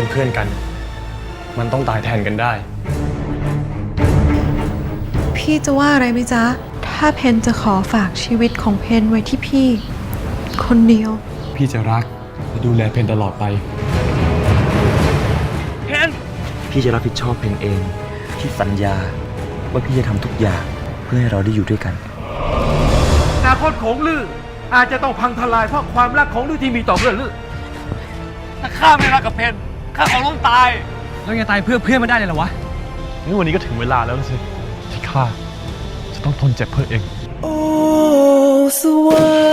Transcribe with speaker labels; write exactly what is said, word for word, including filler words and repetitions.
Speaker 1: เป็นเพื่อนกัน มันต้องตายแทนกันได้
Speaker 2: พี่จะว่าอะไรไหมจ๊ะถ้าเพนจะขอฝากชีวิตของเพนไว้ที่พี่คนเดียว
Speaker 1: พี่จะรักและดูแลเพนตลอดไปเพน
Speaker 3: พี่จะรับผิดชอบเพนเองพี่สัญญาว่าพี่จะทำทุกอย่างเพื่อให้เราได้อยู่ด้วยกัน
Speaker 4: อนาคตของลืออาจจะต้องพังทลายเพราะความรักของลือที่มีต่อเพื่อนลือ
Speaker 1: ถ้าข้าไม่รักกับเพนข้าขอล้มตายแล้วยังตายเพื่อเพื่อนไม่ได้เลยเหรอวะงั้นวันนี้ก็ถึงเวลาแล้วสิที่ข้าจะต้องทนเจ็บเพื่อเอง
Speaker 5: โอ้สวรรค์